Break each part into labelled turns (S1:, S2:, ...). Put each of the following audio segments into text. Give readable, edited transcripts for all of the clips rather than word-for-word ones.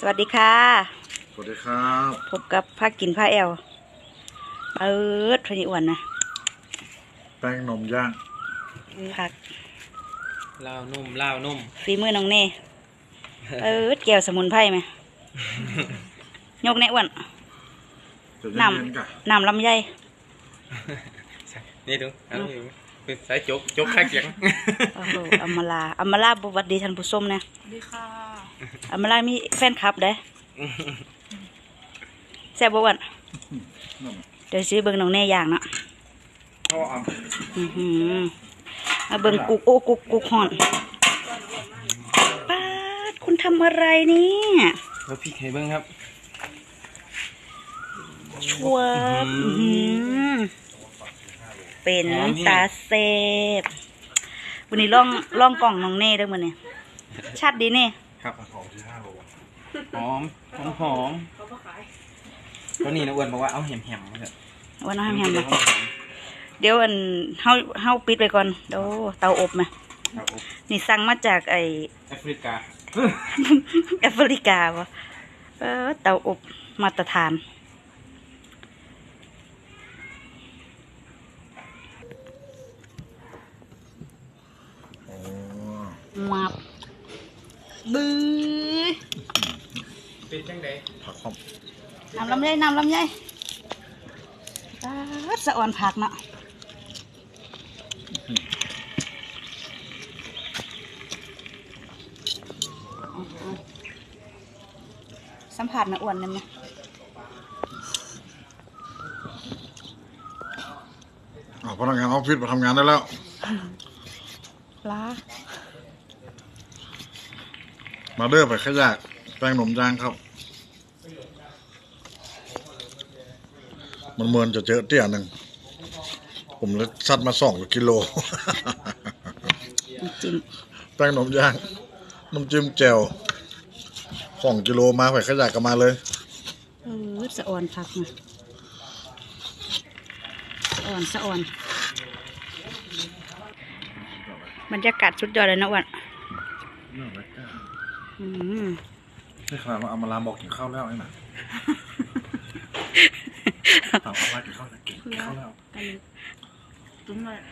S1: วัสดีค่ะ
S2: สวัสดีครับ
S1: พบกับภาคกินผ้าแอลเปิดพนิอ้วนนะ
S2: แป้งนมย่าง
S1: ผัก
S3: ลาวนุ่ม
S1: ฝีมือน้องเน่เปิดแก้วสมุนไพรไหมยกแน่อ้วนน้ำลำไย
S3: นี่ดูเป็นสายจกข้างเสียง
S1: โอ้โหอัมมาลาบวัดดีท่านผู้ชมนะ
S4: ดีค่ะ
S1: อัมมาลามีแฟนคลับเด้แซ่บบ่อ้วนเดี๋ยวซื้อเบิ่งน้องเน่อย่างเนาะมาเบิ่งกุกโอ้กุกห่อนป้าดคุณทำอะไรเนี่ย
S3: แล้วพี่ไข่เบิ้งครับ
S1: ชัวเป็นตาเซฟวันนี้ล่องกล่องน้องเน่ด้วยมันเนี่ยชัดดีเน่
S3: ครับหอมตัวนี้นะอ้วนบอกว่าเอาแหมมาเถอะ
S1: วันน้ำแฮมมาเดี๋ยวอันเฮาปิดไปก่อนเดี๋ยวเตาอบมานี่สั่งมาจากไอ
S3: แอฟริกา
S1: แอฟริกาวะเตาอบมาตรฐานมาบื้อ
S3: เป็นจังได
S2: ผักหอม
S1: น้ำลำไยสะอ่อนผักเนาะสัมผัสนะอ้วนเลยมั้ย
S2: พนักงานออฟฟิศมาทำงานได้แล้ว
S1: ล้า
S2: มาเด้อไปขยะแป้งนมย่างครับมันเหมือนจะเจอเตี้ยหนึ่งผมเลยซัดมา2 กิโลแป้งนมย่างน้ำจิ้มแจ่ว2 กิโลมาไปขยะกันมาเลย
S1: สะอ่อนผักนะสะอ่อนบรรยากาศสุดยอดเลยนะอ้วน
S2: นี่ขนาดว่าเอามาลามบอกกินข้าวแล้วไอ้หน่ะถามว่ากินข้าวแล้วกินข้าวแล้ว
S1: จุ้มเลย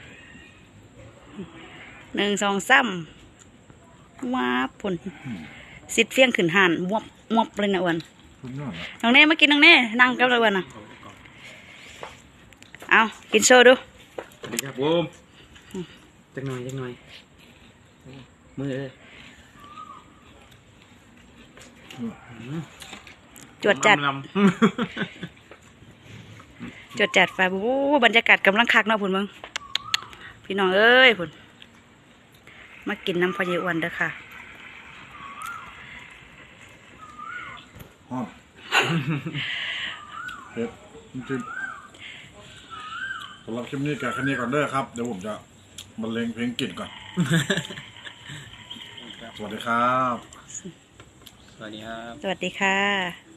S1: 1 2 3ว้าผลสิทธิ์เฟี้ยงขึ้นห่านมวบเลยนะอ้วนน้องเน่มากินน้องเน่นั่งกับเราอ้วนนะเอากินโชว์ดู
S3: สวัสดีครับบูมจักหน่อยมือ
S1: จวดจัดไฟบูบรรยากาศกำลังคักเนาะพุ่นมึงพี่น้องเอ้ยพุ่นมากินน้ำพะเยอ้วนเด้อค่ะ
S2: เผ็ดจริงสำหรับคลิปนี้แค่นี้ก่อนเด้อครับเดี๋ยวผมจะบรรเลงเพลงกลิ่นก่อนสวัสดีครับ
S1: สวัสดีค่ะ